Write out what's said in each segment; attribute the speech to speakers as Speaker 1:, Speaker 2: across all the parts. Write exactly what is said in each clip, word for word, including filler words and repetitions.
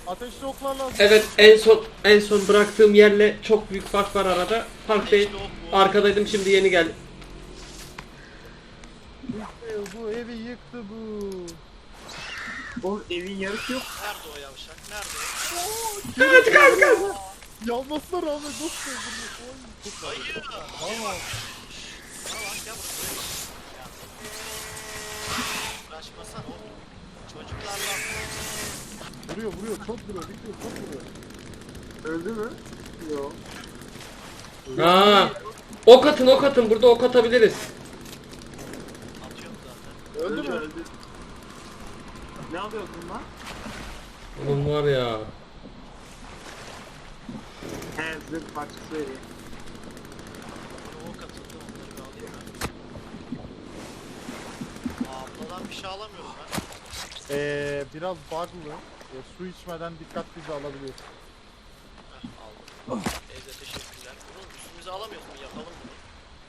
Speaker 1: Ateşli oklar lazım.
Speaker 2: Evet, en son en son bıraktığım yerle çok büyük fark var arada. Fark değil. Arkadaydım, şimdi yeni geldim.
Speaker 1: Yıktı bu evi, yıktı bu.
Speaker 3: Oğlum evin yarısı yok.
Speaker 4: Nerede o yavşak? Nerede?
Speaker 2: Evet kanka.
Speaker 1: Yanmasına rağmen nasıl öldürüyor? Oy, çok
Speaker 4: Hayır.
Speaker 1: Tamam.
Speaker 4: Bana bak gel buraya. Uğraşmasana oğlum. Çocuklarla.
Speaker 1: Vuruyor vuruyor, çok vuruyor, bitiyor, çok vuruyor.
Speaker 3: Öldü mü? Yok.
Speaker 2: Aa, ok atın, ok atın. Burada ok atabiliriz.
Speaker 4: Atıyorum zaten.
Speaker 1: Öldü mü?
Speaker 3: Öldü. Ne yapıyorsun lan?
Speaker 2: Oğlum var ya.
Speaker 3: He zırh parçası veriyor.
Speaker 4: Bana ok atıldı, onları bir alayım ben. Aa, abladan bir şey alamıyorum ben.
Speaker 1: Ee, biraz bug'lı. Ee, su içmeden dikkatlice alabiliyorsun.
Speaker 4: Heh, aldım. Evde teşekkürler. Bunu üstümüze alamıyoruz mu? Yapalım bunu.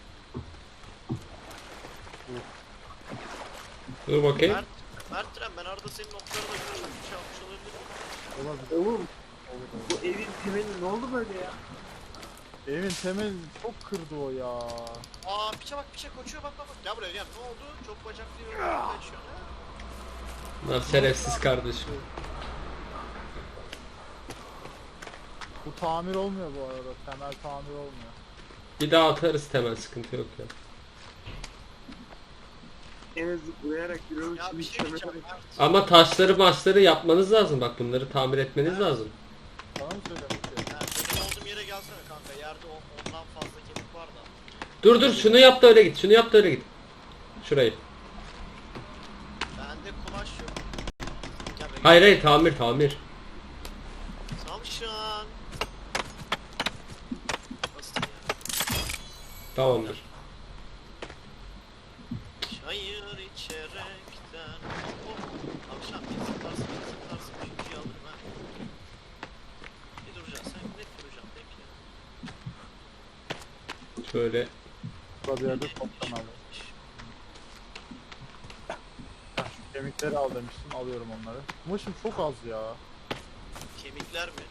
Speaker 2: Dur bakayım.
Speaker 4: Mert, Mert Tren, ben arada senin oklarına göre çok bir şey almış olabilirim.
Speaker 1: Olabilir.
Speaker 3: Oğlum
Speaker 1: Olur, olur.
Speaker 3: bu evin temeli ne oldu böyle ya?
Speaker 1: Evin temelini çok kırdı o ya.
Speaker 4: Aa, piçe bak, piçe koşuyor, bak bak bak. Gel buraya gel. Ne oldu? Çok bacaklı yorumlar kaçıyor. Ha?
Speaker 2: Bunlar şerefsiz kardeşim.
Speaker 1: Bu tamir olmuyor bu arada. Temel tamir olmuyor.
Speaker 2: Bir daha atarız, temel sıkıntı yok ya.
Speaker 3: Eve zıplayarak yürüyormuş.
Speaker 4: Ya bir şey diyeceğim Mert.
Speaker 2: Ama taşları maçları yapmanız lazım. Bak, bunları tamir etmeniz lazım.
Speaker 1: Sana mı söylemek istiyorum?
Speaker 4: Yani benim olduğum yere gelsene kanka. Yerde on- ondan fazla kemik var da.
Speaker 2: Dur dur, şunu yap da öyle git. Şunu yap da öyle git. Şurayı.
Speaker 4: Bende kumaş yok. Gel be.
Speaker 2: Hayır hayır, tamir tamir.
Speaker 4: Samşan. Nasıl ya?
Speaker 2: Tamamdır.
Speaker 4: Çayır içerekten. Oh, akşam bir zıplarsın, bir zıplarsın. Çünkü alırım ha. Bir duracaksın, sen net duracaksın bekle.
Speaker 2: Şöyle.
Speaker 1: Burada bir yerde toptan alıyorum. Şu kemikleri al demiştim, alıyorum onları. Kumaşım çok az ya.
Speaker 4: Kemikler mi?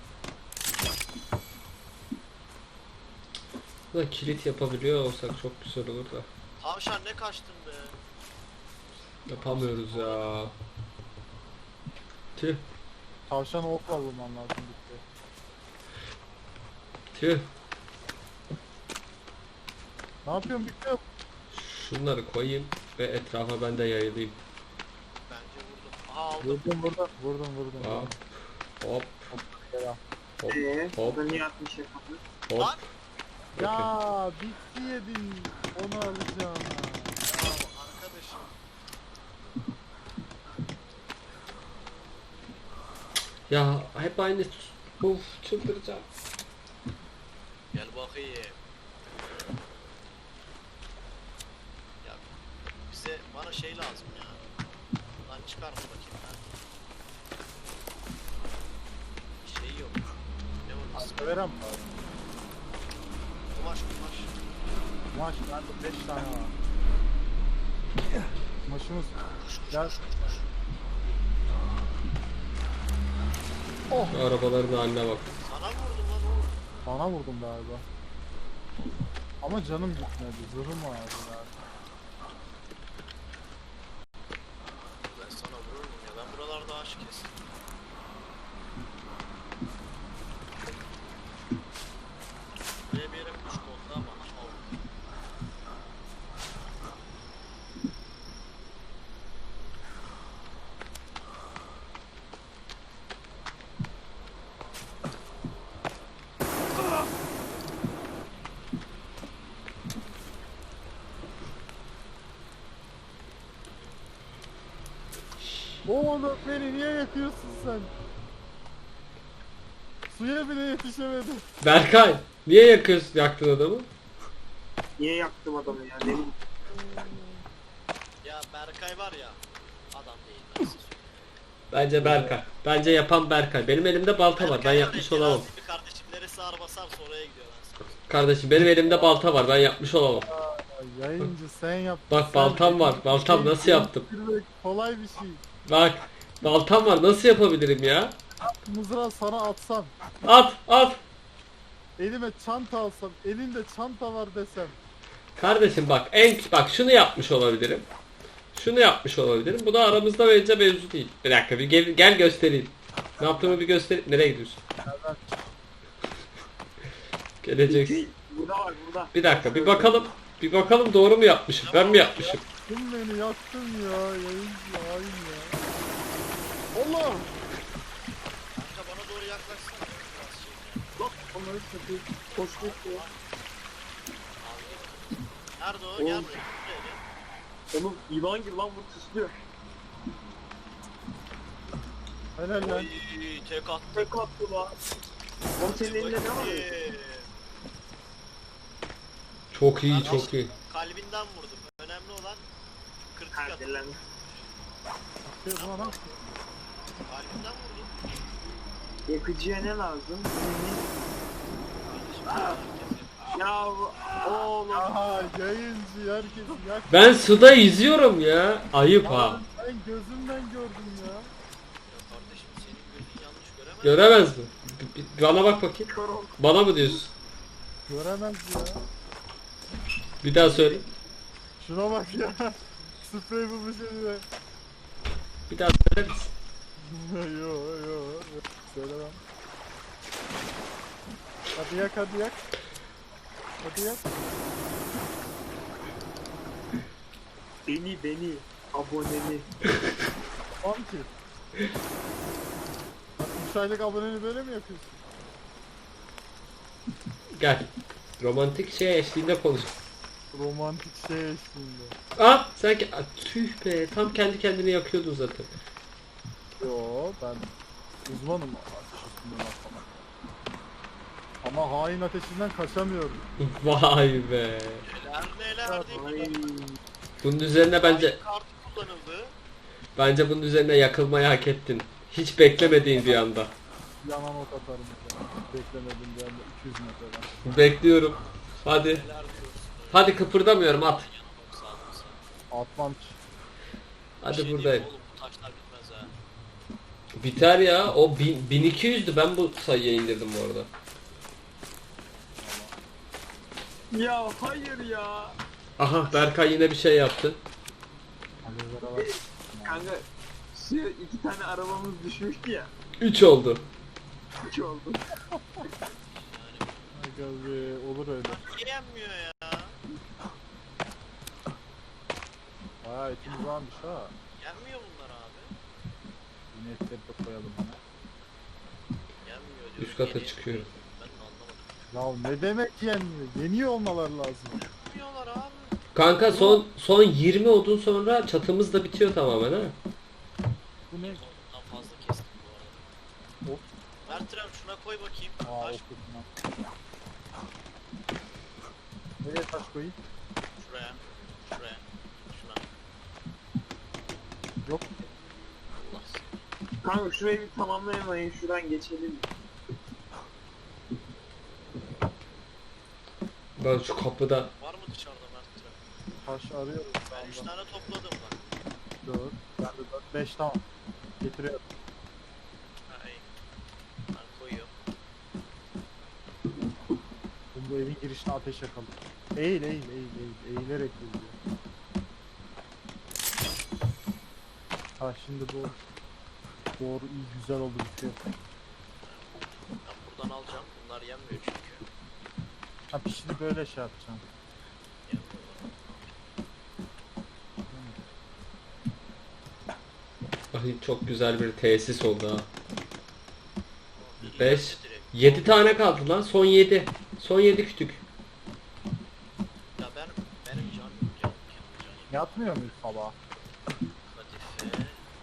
Speaker 2: Da kilit yapabiliyor olsak çok güzel olur da.
Speaker 4: Tavşan ne kaçtın be?
Speaker 2: Yapamıyoruz ya. Tüh
Speaker 1: Tavşanı okla vurman lazım bitti.
Speaker 2: tüh.
Speaker 1: Ne yapıyorsun bitti?
Speaker 2: Şunları koyayım ve etrafa ben de yayılayım.
Speaker 4: Bence vurdum. Aha aldım.
Speaker 1: Vurdum vurdum vurdum vurdum.
Speaker 2: Hop hop
Speaker 1: Gel al.
Speaker 2: hop
Speaker 3: Eee
Speaker 2: hop
Speaker 3: burada niye atmış yapalım?
Speaker 2: hop.
Speaker 4: Lan!
Speaker 2: Okey.
Speaker 1: Ya bitti yedin. Onu alacağım.
Speaker 4: Ya arkadaşım.
Speaker 2: Ya hep aynı. Uf, çıldıracağım.
Speaker 4: Gel bakayım. Ya bize bana şey lazım ya. Lan çıkar mı bakayım ben. Şey yok. Ne o nasıl?
Speaker 1: Severem abi.
Speaker 4: Kumaş kumaş.
Speaker 1: Kumaş bende beş tane var. Kumaşımız.
Speaker 4: Kuş kuş
Speaker 1: Gel.
Speaker 4: kuş kuş kuş.
Speaker 1: Oh.
Speaker 2: Şu arabaların haline bak.
Speaker 4: Sana vurdum lan oğlum.
Speaker 1: Bana vurdum galiba. Ama canım gitmedi. Zırhım vardı galiba.
Speaker 4: Ben sana vururum ya. Ben buralarda aşık kestim. Buraya bir yere kuş kondu ama al.
Speaker 1: Oğlum beni niye yakıyorsun sen? Suya bile yetişemedim.
Speaker 2: Berkay, niye yakıyorsun, yaktın adamı?
Speaker 3: Niye yaktım adamı ya? Ne bileyim.
Speaker 4: Ya Berkay var ya. Adam değil. Ben size söyleyeyim.
Speaker 2: Bence Berkay. Bence yapan Berkay. Benim elimde balta var. Ben
Speaker 4: Berkay
Speaker 2: yapmış
Speaker 4: var ya,
Speaker 2: olamam.
Speaker 4: Terazi bir kardeşim neresi ağır basarsa oraya gidiyor ben sana.
Speaker 2: Kardeşim, benim elimde balta var. Ben yapmış olamam.
Speaker 1: Ya, yayıncı sen yap.
Speaker 2: Bak,
Speaker 1: sen-
Speaker 2: baltam var. Baltam nasıl yaptım?
Speaker 1: Kolay bir şey.
Speaker 2: Bak, baltam var. Nasıl yapabilirim ya?
Speaker 1: Mızrağı sana atsam,
Speaker 2: At at.
Speaker 1: elime çanta alsam, elinde çanta var desem.
Speaker 2: Kardeşim bak en bak şunu yapmış olabilirim. Şunu yapmış olabilirim. Bu da aramızda bence mevzu değil. Bir dakika bir gel, gel göstereyim. Ne yaptığımı bir göster. Nereye gidiyorsun?
Speaker 1: Nereden?
Speaker 2: Geleceksin.
Speaker 3: Burada var burada.
Speaker 2: Bir dakika bir bakalım. Bir bakalım doğru mu yapmışım? Ben mi yapmışım?
Speaker 1: Yaktın beni, yaktın ya. Yayıncı, hain ya. Allah!
Speaker 4: Kanka bana doğru yaklaşsana. Biraz şey ya.
Speaker 3: Bak onları satayım. Koş koş ya.
Speaker 4: Al git. Nerede o?
Speaker 3: Oğlum.
Speaker 4: Gel buraya. Buraya gel.
Speaker 3: Oğlum yılan gibi lan bu tıslıyor.
Speaker 1: Helal lan.
Speaker 4: Oy, tek attı.
Speaker 3: Tek attı lan. Oğlum senin elinde ne var?
Speaker 4: Ee,
Speaker 2: Çok iyi çok iyi.
Speaker 4: Kalbinden vurdum. Önemli olan kritik atı.
Speaker 3: Hadi lan.
Speaker 1: Şey, buna lan.
Speaker 4: Kalbinden vurdum.
Speaker 3: Yakıcıya ne lazım?
Speaker 4: Kardeşim herkes yapıyor.
Speaker 3: Ya oğlum.
Speaker 1: Aha, yayıncı, herkes yak.
Speaker 2: Ben suda yüzüyorum ya. Ayıp ha.
Speaker 1: Lan, ben gözümden gördüm ya.
Speaker 4: Ya kardeşim senin gözün yanlış göremez.
Speaker 2: Göremez mi? Bir- bir- Bana bak bakayım.
Speaker 3: Kör ol.
Speaker 2: Bana mı diyorsun?
Speaker 1: Göremez ya.
Speaker 2: Bir daha söyle.
Speaker 1: Şuna bak ya. Sprey bulmuş elime.
Speaker 2: Bir daha söyler misin?
Speaker 1: yo yo. Söylemem. Hadi yak, hadi yak. Hadi yak.
Speaker 3: Beni beni. Aboneni.
Speaker 1: Tamam ki. Bak, üç aylık aboneni böyle mi yapıyorsun?
Speaker 2: Gel. Romantik şey eşliğinde konuş.
Speaker 1: Romantik şey eşliğinde.
Speaker 2: Aa sanki Aa, tüh be tam kendi kendini yakıyordun zaten.
Speaker 1: Yo, ben uzmanım ateş üstünden atlamak. Ama hain ateşinden kaçamıyorum.
Speaker 2: Vay be.
Speaker 4: Neler neler değil
Speaker 3: Ay.
Speaker 4: mi?
Speaker 2: Bunun üzerine bence
Speaker 4: Kartı kullanıldı.
Speaker 2: bence bunun üzerine yakılmayı hak ettin. Hiç beklemediğin bir anda.
Speaker 1: Yanan ok atarım mesela. Beklemedim bir anda iki yüz metreden.
Speaker 2: Bekliyorum. Hadi.
Speaker 4: Neler diyorsun?
Speaker 2: Hadi kıpırdamıyorum at.
Speaker 4: Yana bak sağdan sağa.
Speaker 1: Atmam ki.
Speaker 4: Bir
Speaker 2: Hadi
Speaker 4: şey diyeyim
Speaker 2: buradayım.
Speaker 4: mi oğlum, bu taşlar bitmez ha.
Speaker 2: Biter ya. O bin, bin iki yüzdü. Ben bu sayıya indirdim bu arada.
Speaker 3: Ya hayır ya.
Speaker 2: Aha Berkay yine bir şey yaptı.
Speaker 1: Alevlere bak.
Speaker 3: Kanka şu iki tane arabamız düşmüştü ya.
Speaker 2: üç oldu.
Speaker 3: Üç oldu.
Speaker 1: Aga be, olur öyle.
Speaker 4: Niye yenmiyor ya?
Speaker 1: Bayağı etimiz varmış ha.
Speaker 4: Yenmiyor bunlar abi.
Speaker 1: Yine etleri de koyalım hemen.
Speaker 4: Yenmiyor diyor.
Speaker 2: Üst kata
Speaker 4: Yeni-
Speaker 2: çıkıyorum.
Speaker 4: Ben de anlamadım.
Speaker 1: Ya ne demek yenmiyor? Yeniyor olmaları lazım.
Speaker 4: Yenmiyorlar abi.
Speaker 2: Kanka son son yirmi odun sonra çatımız da bitiyor tamamen ha.
Speaker 1: Bu ne?
Speaker 4: Ondan fazla kestim bu arada.
Speaker 1: Of.
Speaker 4: Mertrem şuna koy bakayım.
Speaker 1: Aa,
Speaker 4: Taş
Speaker 1: okudum lan. Nereye taş koyayım?
Speaker 4: şuraya. Şuraya. Şuna.
Speaker 1: Yok.
Speaker 4: Allah seni.
Speaker 3: Kanka şurayı bir tamamlayamayın. Şuradan geçelim.
Speaker 2: Ben şu kapıda
Speaker 4: Var mı dışarıda Mertrem?
Speaker 1: Taş arıyorum şu
Speaker 4: Ben üç
Speaker 1: anda.
Speaker 4: tane topladım bak.
Speaker 1: dört. Ben de dört. beş tamam. Getiriyorum.
Speaker 4: Ha iyi. Ben koyuyorum.
Speaker 1: Şimdi bu evin girişine ateş yakalım. Eğil eğil eğil eğil. Eğilerek geziyor. Ha şimdi bu doğru iyi güzel oldu bitiyor.
Speaker 4: Ben buradan alacağım. Bunlar yenmiyor çünkü.
Speaker 1: Ha pişini böyle şey yapacağım.
Speaker 4: Yenmiyorlar.
Speaker 2: Ay, çok güzel bir tesis oldu ha.
Speaker 4: İyi
Speaker 2: Beş.
Speaker 4: yendi direkt.
Speaker 2: yedi tane kaldı lan. Son yedi. Son yedi kütük.
Speaker 4: Ya ben benim canım canım canım canım.
Speaker 1: Yatmıyor muyuz sabah?
Speaker 4: Kadife.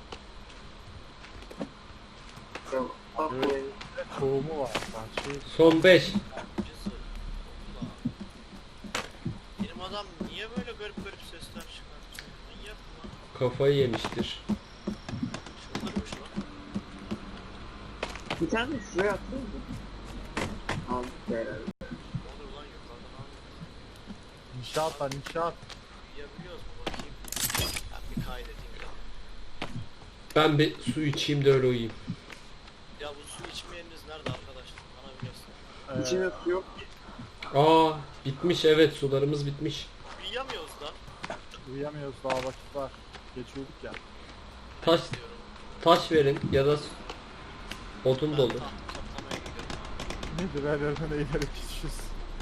Speaker 3: Ya, bak bu ev.
Speaker 1: Tohumu var. Bahçeyi
Speaker 2: Son beş.
Speaker 4: Cızı. Hopla. Benim adam niye böyle garip garip sesler çıkartıyor? Manyak mı lan?
Speaker 2: Kafayı yemiştir.
Speaker 4: Çıldırmış lan.
Speaker 3: Bir tane de şuraya attın mı? Aldık be herhalde.
Speaker 4: Olur lan yukarıdan al.
Speaker 1: inşaat var inşaat.
Speaker 4: Yiyebiliyoruz mu bakayım? Ben bir kaydedeyim de.
Speaker 2: Ben bir su içeyim de öyle uyuyayım.
Speaker 4: Ya içme yeriniz nerede arkadaşlar? Bana bir göster.
Speaker 1: Ee,
Speaker 3: İçine su yok ki.
Speaker 2: Aa bitmiş, evet, sularımız bitmiş.
Speaker 4: Uyuyamıyoruz da.
Speaker 1: uyuyamıyoruz, daha vakit var. Geç uyuduk ya.
Speaker 2: Taş
Speaker 4: Diyorum.
Speaker 2: taş verin ya da odun
Speaker 4: Ben
Speaker 2: dolu.
Speaker 4: taht toplamaya gidiyorum abi.
Speaker 1: Nedir her yerden eğilerek geçiyoruz.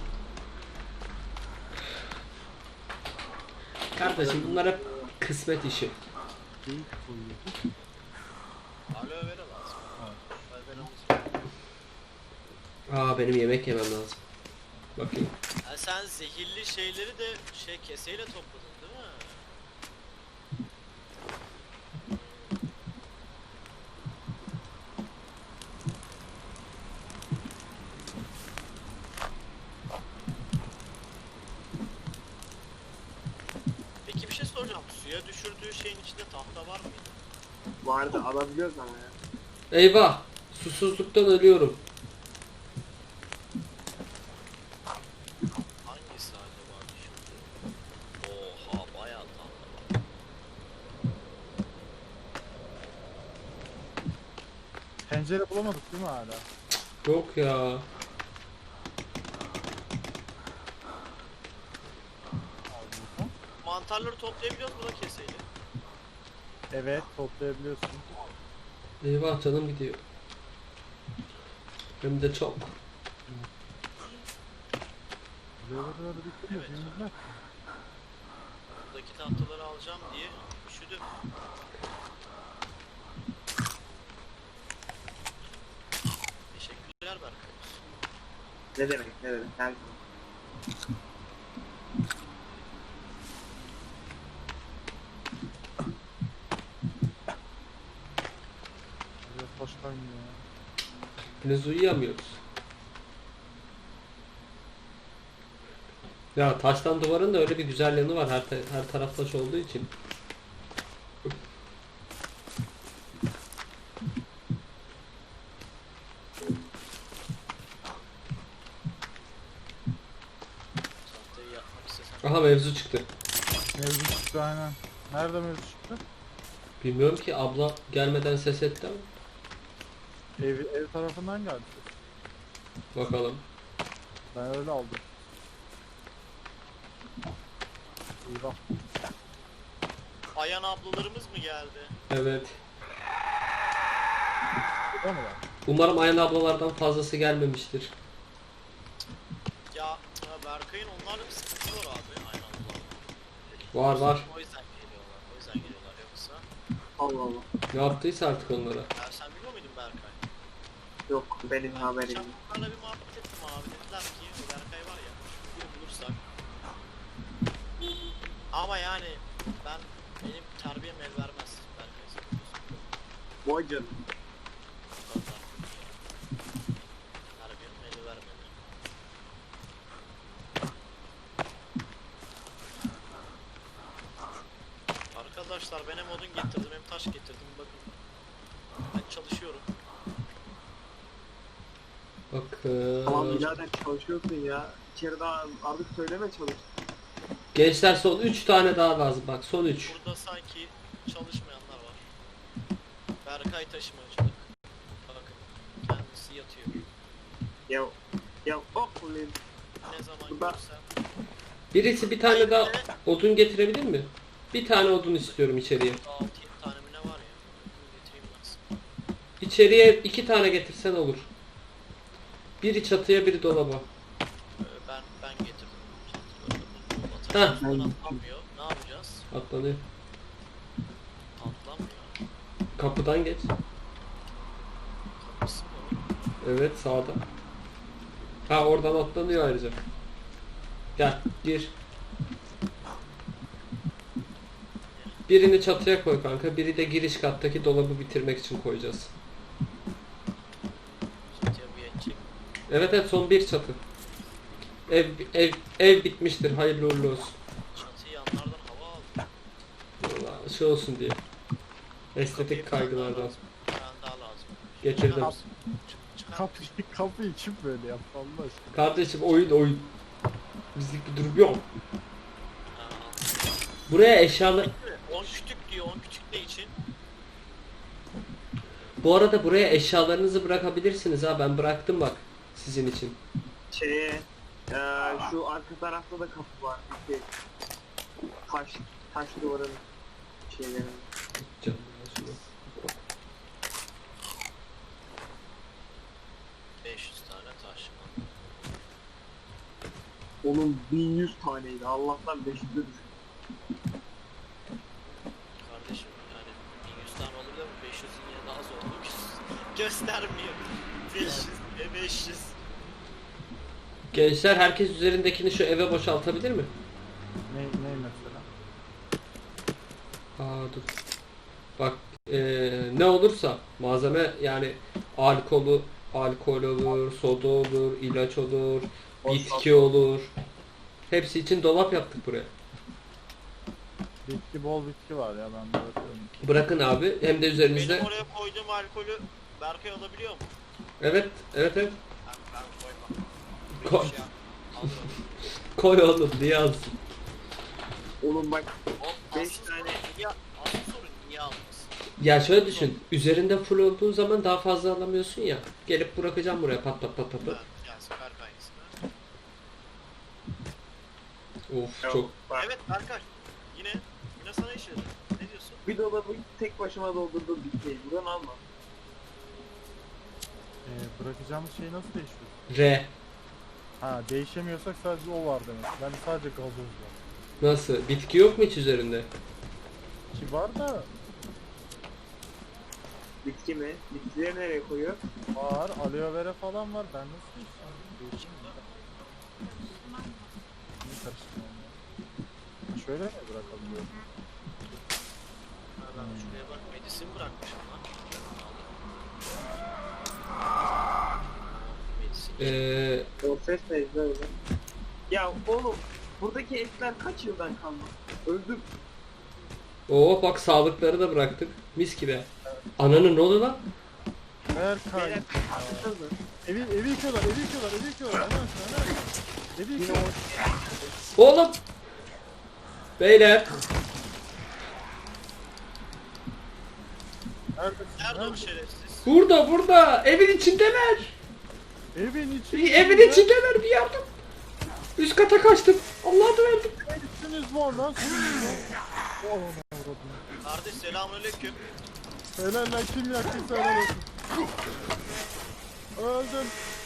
Speaker 2: Kardeşim bunlar hep kısmet işi.
Speaker 1: Geyik uyuyor.
Speaker 4: Aloe vera lazım.
Speaker 1: Evet.
Speaker 4: Aloe veramız var.
Speaker 2: Aa benim yemek yemem lazım. Bakayım.
Speaker 4: Ha, sen zehirli şeyleri de şey keseyle topladın değil mi? Peki bir şey soracağım. Suya düşürdüğü şeyin içinde tahta var mıydı?
Speaker 3: Vardı alabiliyoruz ama ya.
Speaker 2: Eyvah! Susuzluktan ölüyorum.
Speaker 4: Hangisi acaba düşürdü? Oha bayağı tahta var.
Speaker 1: Pencere bulamadık değil mi hala?
Speaker 2: Yok ya.
Speaker 1: Al bakalım.
Speaker 4: Mantarları toplayabiliyoruz mu da keseyle?
Speaker 1: Evet, toplayabiliyorsun.
Speaker 2: Eyvah canım gidiyor. Hem de çok.
Speaker 1: Buraları bitiriyoruz.
Speaker 4: Evet.
Speaker 1: Evet.
Speaker 4: Buradaki tahtaları alacağım diye üşüdüm. Teşekkürler Berkay.
Speaker 3: Ne demek ne demek. Her
Speaker 1: Biraz hoş kaynıyor ya.
Speaker 2: Henüz uyuyamıyoruz. Ya taştan duvarın da öyle bir güzel yanı var, her, ta- her taraf taş olduğu için.
Speaker 4: Tahtayı yapmak istesem.
Speaker 2: Aha mevzu çıktı.
Speaker 1: Mevzu çıktı aynen. Nerede mevzu çıktı?
Speaker 2: Bilmiyorum ki, abla gelmeden ses etti ama.
Speaker 1: Ev, ev tarafından geldi.
Speaker 2: Bakalım.
Speaker 1: Ben öyle aldım. Eyvah.
Speaker 4: Ayan ablalarımız mı geldi?
Speaker 2: Evet.
Speaker 1: Burada mı var?
Speaker 2: Umarım Ayhan ablalardan fazlası gelmemiştir.
Speaker 4: Ya ya Berkay'ın onlarla bir sıkıntısı var abi. Aynen abla.
Speaker 2: Var var.
Speaker 4: O yüzden geliyorlar. O yüzden geliyorlar yoksa.
Speaker 3: Allah Allah.
Speaker 2: Ne yaptıysa artık onlara.
Speaker 4: Ya sen biliyor muydun Berkay?
Speaker 3: Yok benim
Speaker 4: Ben
Speaker 3: haberim
Speaker 4: geçen
Speaker 3: yok.
Speaker 4: bunlarla bir muhabbet ettim abi. Dediler ki o Berkay var ya. Bir bulursak. Ama yani ben benim terbiyem el vermez Berkay. sen biliyorsun.
Speaker 3: Vay canına.
Speaker 4: Vallahi. Terbiyem el vermedi. Arkadaşlar ben hem odun getirdim hem taş getirdim bakın. Ben çalışıyorum.
Speaker 3: Tamam
Speaker 2: Bakın.
Speaker 3: birader çalışıyorsun ya. İçeri daha artık söyleme çalış.
Speaker 2: Gençler son üç tane daha lazım. Bak son üç.
Speaker 4: Burada sanki çalışmayanlar var. Berkay taşımacılık. Bakın kendisi yatıyor.
Speaker 3: Ya ya hop ulan.
Speaker 4: Ne zaman
Speaker 3: Burada-
Speaker 4: görsem.
Speaker 2: Birisi bir tane daha odun getirebilir mi? Bir tane odun istiyorum içeriye.
Speaker 4: altı yedi tane mi ne var ya? Bunu getireyim ben sana.
Speaker 2: İçeriye iki tane getirsen olur. Biri çatıya, biri dolaba.
Speaker 4: Ee, ben ben getirdim.
Speaker 2: Ha.
Speaker 4: Çantalarını atlamıyor. Ne yapacağız?
Speaker 2: Atlanıyor.
Speaker 4: Atlamıyor.
Speaker 2: Kapıdan geç.
Speaker 4: Kapısı mı?
Speaker 2: Evet, sağda. Ha, oradan atlanıyor ayrıca. Gel gir. Birini çatıya koy kanka. Biri de giriş kattaki dolabı bitirmek için koyacağız.
Speaker 4: Çatıya bir yetecek.
Speaker 2: Evet evet, son bir çatı. Ev ev ev bitmiştir. Hayırlı uğurlu olsun.
Speaker 4: Çatıyı yanlardan hava aldı.
Speaker 2: Vallahi şey olsun diye. Estetik kaygılardan.
Speaker 4: Bir tane daha lazım.
Speaker 2: Getirdim.
Speaker 4: Çıkar mısın? Çık- çıkar
Speaker 1: Kapıyı,
Speaker 4: mısın?
Speaker 1: kapıyı kim böyle yaptı Allah aşkına?
Speaker 2: Kardeşim oyun oyun. Bizlik bir durum yok.
Speaker 4: Ha,
Speaker 2: Buraya eşyalı
Speaker 4: on kütük diyor. on kütük ne için?
Speaker 2: Bu arada buraya eşyalarınızı bırakabilirsiniz ha. Ben bıraktım bak sizin için.
Speaker 3: Şeye, eee şu arka tarafta da kapı var. Bir şey. Taş, taş duvarın şeyleri.
Speaker 2: Canım, şunu.
Speaker 4: beş yüz tane taş.
Speaker 3: Onun bin yüz taneydi. Allah'tan beş yüze düştü.
Speaker 4: Kardeşim yani bin yüz tane olur da bu beş yüzün yine daha zor olur. Göstermiyor. beş yüz ve beş yüz.
Speaker 2: Gençler herkes üzerindekini şu eve boşaltabilir mi?
Speaker 1: Ne, ne mesela?
Speaker 2: Aa dur. Bak eee, ne olursa malzeme yani alkolü, alkol olur, soda olur, ilaç olur, bitki olur. Hepsi için dolap yaptık buraya.
Speaker 1: Bitki bol bitki var ya ben bırakıyorum.
Speaker 2: Bırakın abi hem de üzerinizde.
Speaker 4: Benim oraya koyduğum alkolü Berkay alabiliyor mu?
Speaker 2: Evet, evet evet.
Speaker 4: Ben, ben koymam.
Speaker 2: Ko-
Speaker 4: Bir şey yap- alırım.
Speaker 2: Koy oğlum diye yazsın.
Speaker 3: Oğlum bak,
Speaker 4: O
Speaker 3: Beş
Speaker 4: asıl
Speaker 3: tane-
Speaker 4: sorun niye, asıl sorun niye almasın?
Speaker 2: Ya şöyle düşün. Üzerinde full olduğun zaman daha fazla alamıyorsun ya. Gelip bırakacağım buraya pat pat pat pat. pat.
Speaker 4: Evet, gelsin Berkay ismi.
Speaker 2: Of
Speaker 3: yok,
Speaker 2: çok.
Speaker 3: bak.
Speaker 4: Evet Berkay. Yine yine sana iş veririm. Ne diyorsun?
Speaker 3: Bir dolabı tek başıma doldurdum bir şey. Buradan alma.
Speaker 1: Ee, bırakacağımız şey nasıl değişiyor?
Speaker 2: R.
Speaker 1: Ha değişemiyorsak sadece o var demek. Ben sadece gazoz var.
Speaker 2: Nasıl? Bitki yok mu hiç üzerinde?
Speaker 1: Ki var da
Speaker 3: Bitki mi? Bitkileri nereye koyuyor?
Speaker 1: var, aloe vera falan var. Ben nasıl değişeceğim? Değişim mi? Niye karıştırıyorum ya? Şöyle mi bırakabiliyorum?
Speaker 4: Ha, ben şuraya bak medisin bırakmışım lan. Medisin.
Speaker 2: Ee,
Speaker 3: O ses neydi öyle? Ya oğlum, buradaki etler kaç yıldan kalma? Öldüm.
Speaker 2: Oo bak sağlıkları da bıraktık. Mis gibi. Ananın ne oldu lan?
Speaker 1: Berkay.
Speaker 3: Beyler, atıldı.
Speaker 1: Evi, evi yıkıyorlar, evi yıkıyorlar, evi yıkıyorlar. Hemen aşağı, hemen aşağı. Evi
Speaker 3: Yine
Speaker 1: yıkıyorlar.
Speaker 3: o
Speaker 2: Oğlum. Beyler.
Speaker 1: Neredesin?
Speaker 4: Nerede o
Speaker 1: Nerede?
Speaker 4: şerefsiz?
Speaker 2: Burada burada. Evin içindeler.
Speaker 1: Evin içi.
Speaker 2: Evin içindeler bir yardım. Üst kata kaçtım. Allah'a da verdim.
Speaker 1: İçiniz var lan. Siziniz var. Oh, ne avradım.
Speaker 4: Kardeş selamünaleyküm.
Speaker 1: Helal lan kim yaktıysa helal olsun. Öldüm.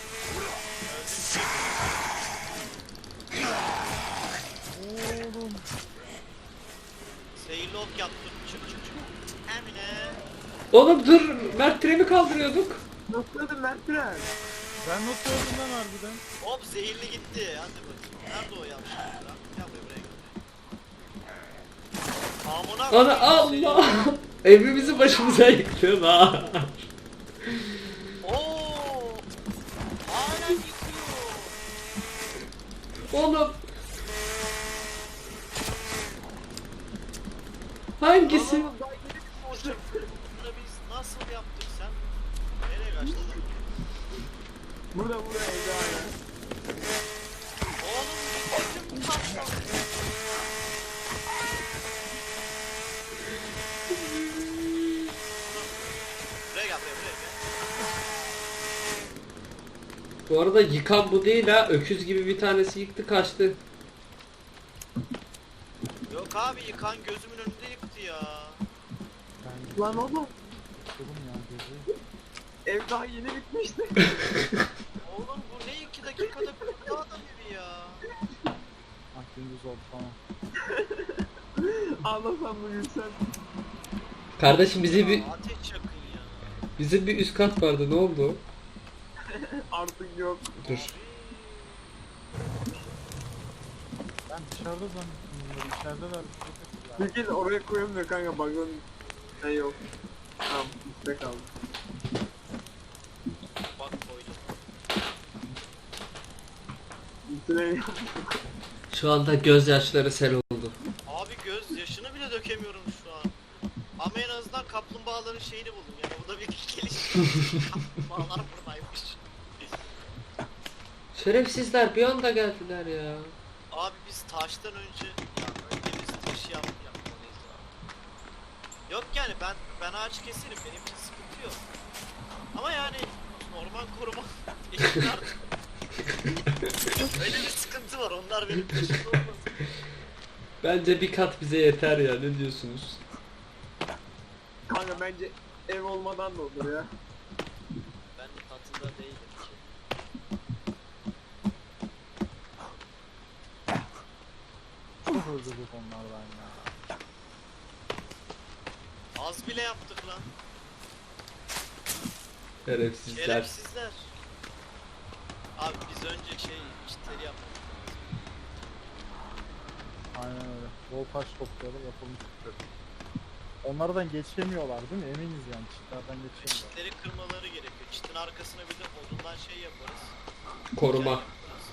Speaker 1: Oğlum.
Speaker 4: Seyirli ok yaptım. Çık çık çık. Emine.
Speaker 2: Oğlum dur. Mert treni kaldırıyorduk.
Speaker 3: nasıl öldüm ben Tren?
Speaker 1: Ben nasıl öldüm lan harbiden?
Speaker 4: Hop zehirli gitti. Hadi bakayım. Nerede o yavşak lan? Gel buraya buraya gel. Amına
Speaker 2: Ana
Speaker 4: koyayım
Speaker 2: Allah. Evimizi başımıza yıktın ha.
Speaker 4: seni. Oo! Hala yıkıyor.
Speaker 2: Oğlum. Hangisi?
Speaker 3: Oğlum, daha yeni
Speaker 4: Hocam bunu biz nasıl yaptık sen? Nereye kaçtın?
Speaker 3: Burada burada evde hala.
Speaker 4: Oğlum gittim kaptan. Buraya gel buraya buraya gel.
Speaker 2: Bu arada yıkan bu değil ha. Öküz gibi bir tanesi yıktı kaçtı.
Speaker 4: Yok abi yıkan gözümün önünde yıktı ya.
Speaker 1: Ben
Speaker 3: Lan oğlum,
Speaker 1: yıkıldım ya gözü.
Speaker 3: ev daha yeni bitmişti.
Speaker 4: Oğlum bu ne iki dakikada bitti adam evi ya.
Speaker 1: Ah gündüz oldu tamam.
Speaker 3: Ağlasam da gülsem.
Speaker 2: Kardeşim bize bir
Speaker 4: Ya, ateş yakın ya.
Speaker 2: bizim bir üst kat vardı. Ne oldu?
Speaker 3: Artık yok.
Speaker 2: Dur.
Speaker 1: Ben dışarıda zannettim bunları. İçerideler.
Speaker 3: Bir kez oraya koyamıyor kanka, bakın. Şey yok. Tamam, üstte kaldı.
Speaker 4: Bak koydum.
Speaker 3: Üstüne
Speaker 2: Şu anda gözyaşları sel oldu.
Speaker 4: Abi göz yaşını bile dökemiyorum şu an. Ama en azından kaplumbağaların şeyini buldum yani bu da bir gelişme. Kaplumbağalar buradaymış.
Speaker 2: Şerefsizler bir anda geldiler ya.
Speaker 4: Abi biz taştan önce ya önce biz taşı yap yapmalıyız abi. Yok yani ben ben ağaç keserim benim için sıkıntı yok. Ama yani orman koruma eşit artık. Öyle bir sıkıntı var. Onlar benim peşimde olmasın.
Speaker 2: Bence bir kat bize yeter ya, ne diyorsunuz?
Speaker 3: Kanka bence ev olmadan da olur ya.
Speaker 4: Ben katında değilim ki.
Speaker 1: Çok özledik onlardan ya.
Speaker 4: Az bile yaptık lan.
Speaker 2: Şerefsizler.
Speaker 4: Şerefsizler. Abi biz önce şey çitleri yapmadık.
Speaker 1: Aynen öyle. Bol taş toplayalım yapalım çitleri. Onlardan geçemiyorlar değil mi? Eminiz yani çitlerden geçemiyorlar.
Speaker 4: Çitleri kırmaları gerekiyor. Çitin arkasına bir de odundan şey yaparız.
Speaker 2: Koruma.
Speaker 4: Yay yaparız.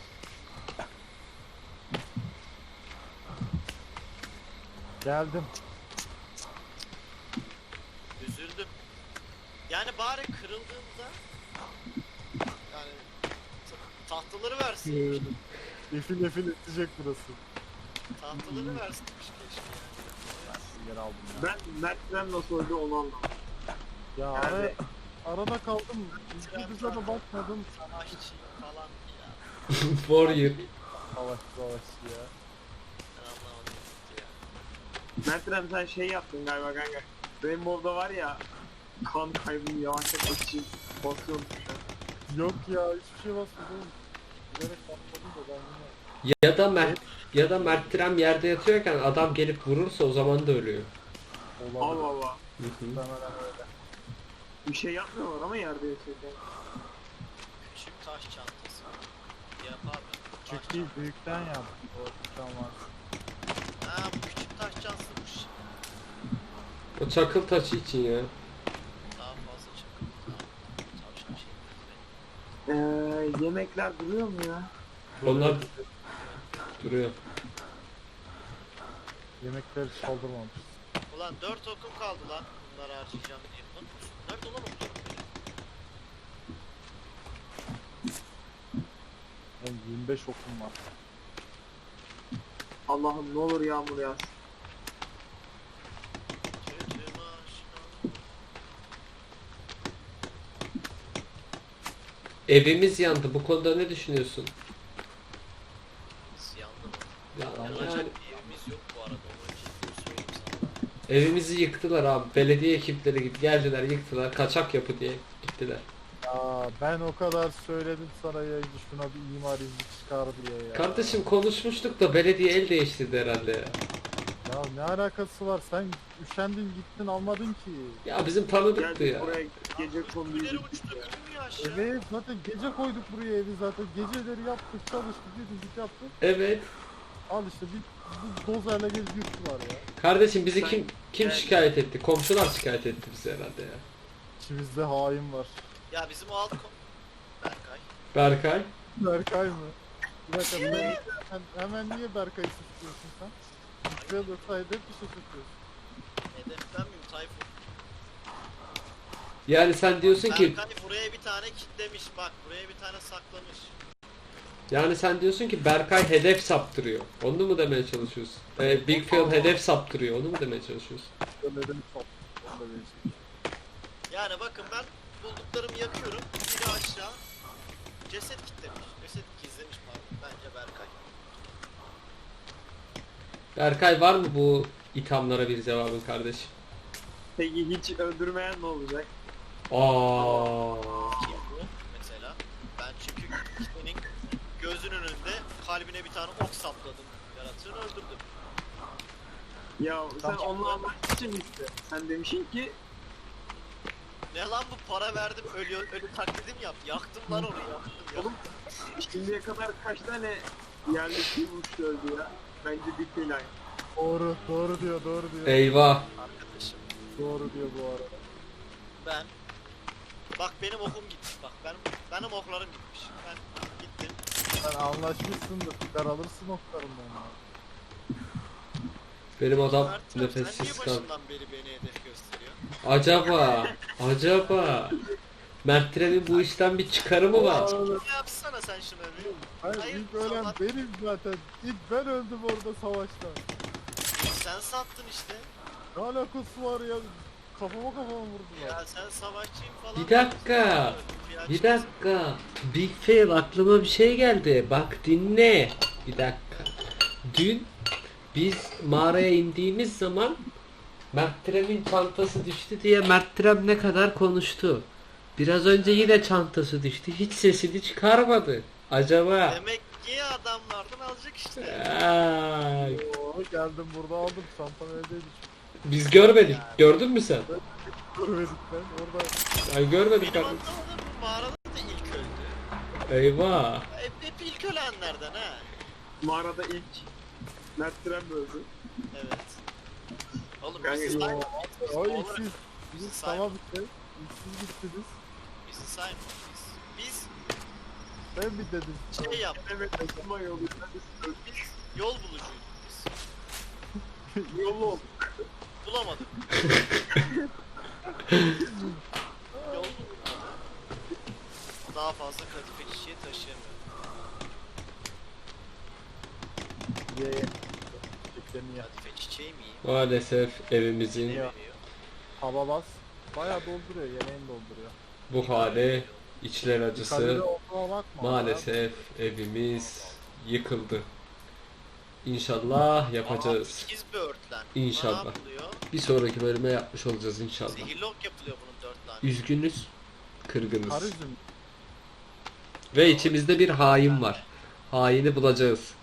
Speaker 1: Geldim.
Speaker 4: Üzüldüm. Yani bari kırıldığında yani ta- tahtaları versin.
Speaker 1: Geldim. Efil efil edecek burası.
Speaker 4: Tahtaları versinmiş keşke yani.
Speaker 1: Ben sizi geri aldım ya.
Speaker 3: Ben Mert'den nasıl öldü onu anlamadım.
Speaker 1: Ya
Speaker 3: Yani-
Speaker 1: ara, arada kaldım. Birbirimize de bakmadım.
Speaker 4: Savaşçı falan ya.
Speaker 2: Warrior.
Speaker 1: Savaşçı savaşçı ya.
Speaker 4: Ben anlamadım gitti ya.
Speaker 3: Mert'den sen şey yaptın galiba kanka. Rainbow'da var ya kan kaybını yavaşlatmak için basıyorsun tuşa.
Speaker 1: Yok ya hiçbir şey basmadım. Bilerek basmadım da ben yine
Speaker 2: Ya da Mert ya da Mert Trem yerde yatıyorken adam gelip vurursa o zaman da ölüyor.
Speaker 3: Allah
Speaker 1: olabilir.
Speaker 3: Allah.
Speaker 2: Hı hı.
Speaker 1: Muhtemelen öyle.
Speaker 3: Bir şey yapmıyorlar ama yerde yaşıyorken.
Speaker 4: Küçük taş çantası. Yap abi. Taş
Speaker 1: Küçük değil
Speaker 4: çantası.
Speaker 1: büyükten yap. O tamam.
Speaker 4: Ha bu küçük taş çantasıymış.
Speaker 2: O çakıl taşı için ya.
Speaker 4: Daha fazla çakıl. Tavşan şey.
Speaker 3: Eee yemekler duruyor mu ya?
Speaker 2: Onlar duruyor.
Speaker 1: Yemekleri çaldırmamış.
Speaker 4: Ulan dört okum kaldı lan. Bunları harcayacağım diye. Lan nerede olan oklarım benim?
Speaker 1: Yani yirmi beş okum var.
Speaker 3: Allah'ım ne olur yağmur yağsın.
Speaker 4: Kötü aşkım.
Speaker 2: Evimiz yandı. Bu konuda ne düşünüyorsun?
Speaker 4: Biz yandı mı?
Speaker 2: Ya,
Speaker 4: Yanacak
Speaker 2: yani
Speaker 4: bir evimiz yok bu arada. Onu ciddi söyleyeyim sana.
Speaker 2: evimizi yıktılar abi. Belediye ekipleri git geldiler yıktılar. Kaçak yapı diye gittiler.
Speaker 1: Ya ben o kadar söyledim sana ya şuna bir imar izni çıkar diye ya.
Speaker 2: Kardeşim konuşmuştuk da belediye el değiştirdi herhalde ya.
Speaker 1: Ya ne alakası var sen üşendin gittin almadın ki.
Speaker 2: Ya bizim tanıdıktı
Speaker 3: Geldik
Speaker 2: ya.
Speaker 3: buraya gece konduyu
Speaker 4: Kulüleri
Speaker 3: gittik
Speaker 4: uçtu.
Speaker 3: ya.
Speaker 4: İnmiyor aşağı.
Speaker 1: Evet zaten gece koyduk buraya evi zaten geceleri yaptık çalıştık yedik yaptık.
Speaker 2: Evet.
Speaker 1: Al işte bir, bir dozerle gelip yuttular ya.
Speaker 2: Kardeşim bizi
Speaker 3: Sen-
Speaker 2: kim kim
Speaker 3: Yani-
Speaker 2: şikayet etti? Komşular şikayet etti bizi herhalde ya.
Speaker 1: İçimizde hain var.
Speaker 4: Ya bizim o alt kom... Berkay.
Speaker 2: Berkay.
Speaker 1: Berkay mı? Bir dakika ben, sen hemen niye Berkay'ı suçluyorsun sen? Suçluya da sayede bir şey suçluyorsun.
Speaker 4: Hedef ben miyim Tayfun?
Speaker 2: Yani sen diyorsun ki
Speaker 4: Berkay buraya bir tane kitlemiş. Bak buraya bir tane saklamış.
Speaker 2: yani sen diyorsun ki Berkay hedef saptırıyor. Onu mu demeye çalışıyorsun? Ee, Big Phil hedef saptırıyor. Onu mu demeye çalışıyorsun?
Speaker 1: Öyle de çok. Onu da değişik.
Speaker 4: Yani bakın ben bulduklarımı yakıyorum. Biri aşağı. Ceset kitlemiş. Ceset gizlemiş pardon. Bence Berkay.
Speaker 2: Berkay var mı bu ithamlara bir cevabın kardeşim?
Speaker 3: Peki hiç öldürmeyen ne olacak?
Speaker 2: Aa.
Speaker 4: Kim bu mesela? Ben çünkü senin gözünün önünde kalbine bir tane ok sapladım. Yaratığını öldürdüm.
Speaker 3: Ya sen
Speaker 1: Tamam.
Speaker 3: onunla anlaşmak için işte. Sen demişsin ki
Speaker 4: Ne lan bu para verdim ölü ölü taklidim yap. Yaktım lan onu yaktım. Ya.
Speaker 3: oğlum şimdiye kadar kaç tane yerleşim uçtu öldü ya. Bence bir plan.
Speaker 1: Doğru, doğru diyor, doğru diyor.
Speaker 2: Eyvah.
Speaker 4: Arkadaşım
Speaker 1: Doğru diyor bu arada.
Speaker 4: ben bak benim okum gitti. Bak benim benim oklarım gitmiş. Ben gittim.
Speaker 1: Sen anlaşmışsındır, çıkar alırsın oklarından ya.
Speaker 2: Benim adam
Speaker 4: Mert, sen niye
Speaker 2: nefessiz kaldı.
Speaker 4: başından beri beni hedef gösteriyor?
Speaker 2: Acaba, acaba Mert Trem'in bu işten bir çıkarı mı var?
Speaker 1: Aa,
Speaker 4: Ne yapsana sen şunu bir.
Speaker 1: Hayır,
Speaker 4: Hayır,
Speaker 1: ilk ölen
Speaker 4: sabah-
Speaker 1: benim zaten. İlk ben öldüm orada savaşta.
Speaker 4: Sen sattın işte.
Speaker 1: Ne alakası var ya? kafama kafama vurdular.
Speaker 4: Ya sen savaşçıyım falan.
Speaker 2: Bir dakika.
Speaker 4: diyorsun.
Speaker 2: Bir dakika. Big fail, aklıma bir şey geldi. Bak dinle. Bir dakika. Dün biz mağaraya indiğimiz zaman Mert'in çantası düştü diye Mert ne kadar konuştu. Biraz önce yine çantası düştü. Hiç sesini çıkarmadı. Acaba?
Speaker 4: Demek ki adamlardan alacak işte.
Speaker 2: Ay,
Speaker 1: Oo, geldim burada aldım. Çantam evdeydi.
Speaker 2: biz görmedik. Gördün mü sen?
Speaker 1: Görmedik ben. Orada
Speaker 2: Ay görmedik
Speaker 4: Benim
Speaker 2: abi.
Speaker 4: anlamadığım bu mağarada da ilk öldü.
Speaker 2: Eyvah.
Speaker 4: Hep, hep ilk ölenlerden ha.
Speaker 3: Mağarada ilk Mert Tren öldü.
Speaker 4: Evet. Oğlum
Speaker 3: Kanka,
Speaker 4: bizi
Speaker 1: yo,
Speaker 4: sayma. Biz
Speaker 1: o
Speaker 4: oğlum,
Speaker 1: iksiz.
Speaker 4: bizi
Speaker 1: Biz
Speaker 4: sayma.
Speaker 1: tamam bitti. İksiz gittiniz.
Speaker 4: Bizi sayma. Biz, biz
Speaker 1: Ben bir dedim.
Speaker 4: şey yaptık.
Speaker 3: Evet, Ekuma yoluyla biz
Speaker 4: Biz yol bulucuyduk biz.
Speaker 3: yolu oldu.
Speaker 4: Bulamadık. Yol bulduk. Daha fazla kadife çiçeği taşıyamıyorum.
Speaker 1: Ye. Çiçeklerini ye.
Speaker 4: Kadife çiçeği mi yiyeyim?
Speaker 2: Maalesef evimizin
Speaker 4: Ne
Speaker 1: Ya.
Speaker 4: veriyor?
Speaker 1: Hava bas. Bayağı dolduruyor. Yemeğini dolduruyor.
Speaker 2: bu hali içler acısı.
Speaker 1: Kalori olduğuna bakma.
Speaker 2: Maalesef evimiz yıkıldı. İnşallah yapacağız.
Speaker 4: Aa, ikiz bir örtlen.
Speaker 2: İnşallah.
Speaker 4: Ne yapılıyor?
Speaker 2: Bir sonraki bölüme yapmış olacağız inşallah.
Speaker 4: Zehirlok yapılıyor bunun dört tane.
Speaker 2: Üzgünüz,
Speaker 1: Kar
Speaker 2: kırgınız.
Speaker 1: üzüm.
Speaker 2: Ve içimizde bir hain var. Haini bulacağız.